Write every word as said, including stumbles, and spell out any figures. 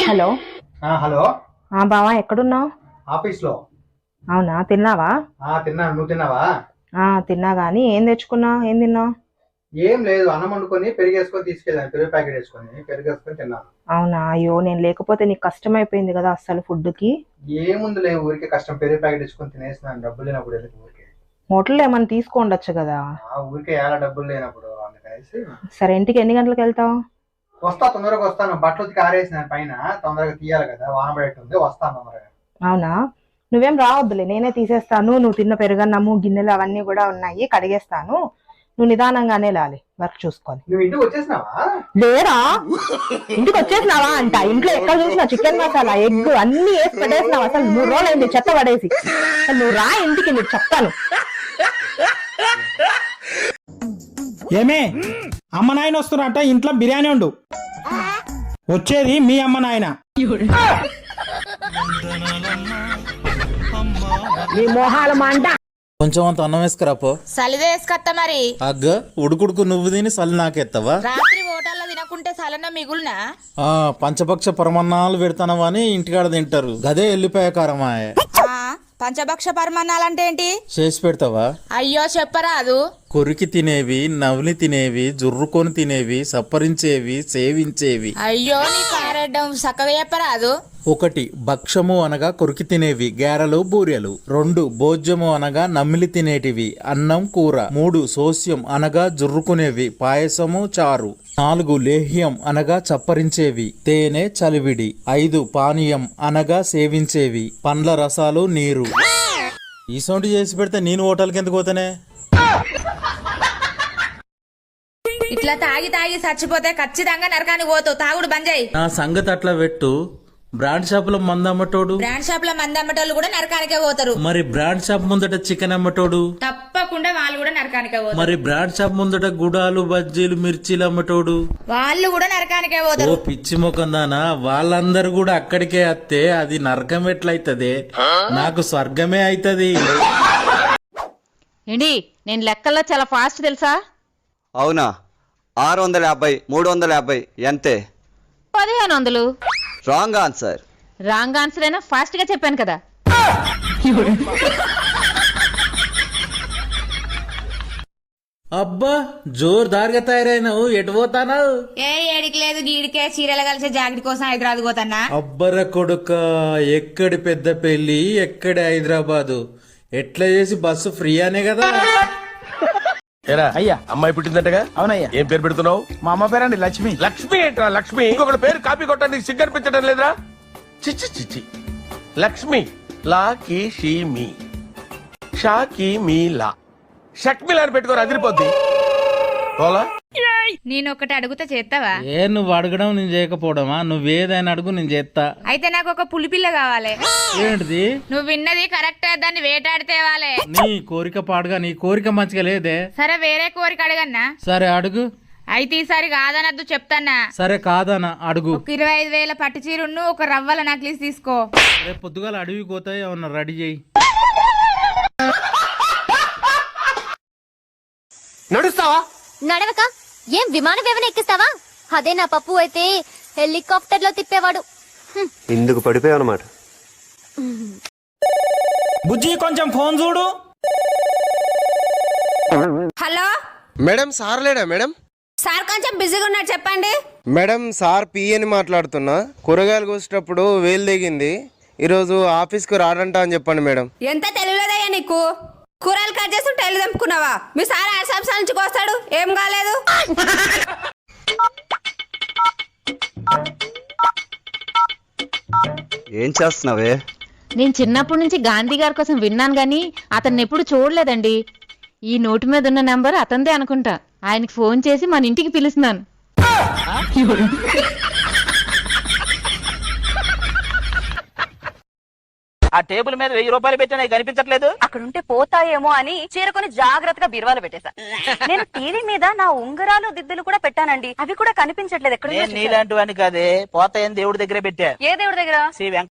Hello hello బావా ఎక్కడున్నావు? Office లో. అవునా, తిన్నావా? తిన్నా, నువ్వు తిన్నావా? తిన్నా గానీ ఏం తెచ్చుకున్నావు, ఏం తిన్నావు? ఏం లేదు, అన్నం వండుకొని పెరిగేసుకొని తీసుకెళ్ళాను, పెరుగు ప్యాకెట్ వేసుకొని పెరిగేసుకొని తిన్నాను. అవునా, అయ్యో నేను లేకపోతే నీకు కష్టం అయిపోయింది కదా అసలు ఫుడ్ కి. ఏముంది లేదు, ఊరికే కష్టం, పెరుగు ప్యాకెట్ వేసుకొని తినేసినాను, డబ్బులు లేనప్పుడు ఎందుకు ఊరికే. హోటల్లో ఏమైనా తీసుకోండొచ్చు కదా. ఊరికే ఎలా డబ్బులు లేనప్పుడు అందుకనేసి. సరే, ఇంటికి ఎన్ని గంటలకు వెళ్తావు? వస్తా, తొందరగా వస్తాను, బట్టలు ఉతికి ఆరేసినాను పైన, తొందరగా తీయాలి కదా, వాన పడేటుంది, వస్తాను తొందరగా. అవునా, నువ్వేం రావద్దులే, నేనే తీసేస్తాను. నువ్వు తిన్న పెరుగన్నము గిన్నెలు అవన్నీ కూడా ఉన్నాయి, కడిగేస్తాను. నువ్వు నిదానంగానే లాలి, వర్క్ చూసుకొని. నువ్వు ఇంటికి వచ్చేసినావా? లేరా, ఇంటికి వచ్చేసినావా అంట. ఇంట్లో ఎక్కడ చూసినా చికెన్ మసాలా, ఎగ్ అన్ని వేసి పెట్టేసినావు. అసలు మూడు రోజులు అయింది చెత్త పడేసి. నువ్వు రా ఇంటికి, నీకు చెప్తాను. ఏమే, అమ్మ నాయన వస్తున్నారట, ఇంట్లో బిర్యానీ ఉండు. వచ్చేది మీ అమ్మ నాయన. నీ మోహాల మంట. కొంచెం అంత అన్నం వేసుకురాపో. సలిదే వేసుకత్తా మరి. అగ్గ ఉడుకుడుకు నువ్వు తిని సలి నాకెత్తవా? రాత్రి హోటల్లో తినకుంటే సలన మిగులునా? ఆ పంచపక్ష పరమన్నాలు పెడతానవా అని ఇంటికాడ తింటారు, గదే ఎల్లిపాయ కారమా. పంచభక్ష పరమాన్నాలంటే ఏంటి? చేసి పెడతావా? అయ్యో చెప్పరాదు. కొరికి తినేవి, నవ్లి తినేవి, జుర్రుకొని తినేవి, సప్పరించేవి, సేవించేవి. అయ్యో నీ కారెడ్డం చక్కగా చెప్పరాదు. ఒకటి భక్షము అనగా కొరికి తినేవి, గారెలు బూరెలు. రెండు భోజ్యము అనగా నమిలి తినేటివి, అన్నం కూర. మూడు సోస్యం అనగా జుర్రుకునేవి, పాయసము చారు. నాలుగు లేహ్యం అనగా చప్పరించేవి, తేనె చలివిడి. ఐదు పానీయం అనగా సేవించేవి, పండ్ల రసాలు నీరు. ఈ సౌండ్ చేసి పెడితే నేను హోటల్కి ఎందుకు పోతానే? ఇట్లా తాగి తాగి చచ్చిపోతే ఖచ్చితంగా నరకానికి పోతావు. తాగుడు బంద్ చేయి. నా సంగతి అట్లా పెట్టు. బ్రాండ్ షాప్ లో మంది అమ్మటోడు, బ్రాండ్ షాప్ లో మంది అమ్మటోళ్ళు కూడా నరకానికే పోతారు. మరి బ్రాండ్ షాప్ ముందట చికెన్ అమ్మటోడు, తప్పకుండా వాళ్ళు కూడా నరకానికే పోతారు. మరి బ్రాండ్ షాప్ ముందట గుడాలు బజ్జీలు మిర్చీలు అమ్మటోడు, వాళ్ళు కూడా నరకానికే ఓ పోతారు. పిచ్చి ముఖం దానా, వాళ్ళందరూ కూడా అక్కడికే వస్తే అది నరకం ఎట్లయితది? నాకు స్వర్గమే అయితది. ఏంటి, నేను లెక్కల్లో చాలా ఫాస్ట్ తెలుసా? అవునా? ఆరు వందల యాభై మూడు వందల యాభై ఎంతే? పదిహేను వందలు. Wrong answer. రాంగ్ ఆన్సర్ అయినా ఫాస్ట్ గా చెప్పాను కదా. అబ్బా జోర్దార్గా తయారైనావు, ఎటు పోతానావు? ఏ ఏడికి లేదు గీడికే, చీరలు కలిసే జాకెట్ కోసం హైదరాబాద్ పోతానా. అబ్బర కొడుక, ఎక్కడి పెద్ద పెళ్లి, ఎక్కడి హైదరాబాదు, ఎట్లా చేసి బస్సు ఫ్రీ అనే కదా. ఏరా అయ్యా, అమ్మాయి పుట్టిందంటగా? అవునయ్యా. ఏం పేరు పెడుతున్నావు? మా అమ్మ పేరండి లక్ష్మి. లక్ష్మి ఏంట్రా లక్ష్మి? ఇంకొకటి పేరు కాపీ కొట్టడానికి సిగ్గనిపించడం లేదురా? చిచ్చి చిచ్చి. లక్ష్మి లా కి షీ మీ, షా కి మీ లా, షక్మిలా అని పెట్టుకోరు, అదిరిపోద్ది. పోలా నేను ఒకటి అడుగుతా చేస్తావా? ఏ నువ్వు అడగడం నేను చేయకపోవడమా? నువ్వేదైనా అడుగు నేను చేస్తా. అయితే నాకు ఒక పులిపిల్ల కావాలి. ఏంటిది? నువ్వు విన్నది కరెక్ట్, దాన్ని వేటాడితే వాలే. నీ కోరిక పాడుగా, నీ కోరిక మంచిగా లేదే. సరే వేరే కోరిక అడగన్నా? సరే అడుగు. అయితే ఈసారి కాదనద్దు చెప్తానా. సరే కాదనా అడుగు. ఒక ఇరవై ఐదు వేల పట్టు చీరును ఒక రవ్వల నక్లీస్ తీసుకో. రేపు పొద్దుగాల అడవికి పోతాయి, ఏమన్నా రెడీ చేయి. నడుస్తావా? నడవక ఏం విమాన వ్యవన ఎక్కిస్తావా? అదే నా పప్పు అయితే హెలికాప్టర్ లో తిప్పేవాడు. ఇందుకు పడిపోయావు అన్నమాట. బుజ్జి కొంచెం ఫోన్ చూడు. హలో మేడం, సార్ లేడా మేడం? సార్ కొంచెం బిజీగా ఉన్నారు, చెప్పండి. మేడం, సార్ పి అని మాట్లాడుతున్నా. కూరగాయలు కోసేటప్పుడు వేలు దిగింది, ఈరోజు ఆఫీస్కి రాడంట అని చెప్పండి మేడం. ఎంత తెలియలేదయ్యా నీకు? కూరలు కట్ చేసి టైలు తెంపుకున్నావా? మీ సార్ ఆరు సంవత్సరాల నుంచి కోస్తాడు, ఏం కాలేదు. ఏం చేస్తున్నావే? నేను చిన్నప్పటి నుంచి గాంధీ గారి కోసం విన్నాను గాని అతన్ని ఎప్పుడు చూడలేదండి. ఈ నోటు మీద ఉన్న నంబర్ అతందే అనుకుంటా. ఆయనకి ఫోన్ చేసి మన ఇంటికి పిలుస్తున్నాను. ఆ టేబుల్ మీద వెయ్యి రూపాయలు పెట్టినా కనిపించట్లేదు. అక్కడుంటే పోతాయేమో అని చీరకొని జాగ్రత్తగా బీరువాలో పెట్టేశా. నేను టీవీ మీద నా ఉంగరాలు దిద్దులు కూడా పెట్టానండి, అవి కూడా కనిపించట్లేదు. ఎక్కడ నీలాంటి వాడిని కాదే, పోతాయని దేవుడి దగ్గరే పెట్టా. ఏ దేవుడి దగ్గర? శ్రీ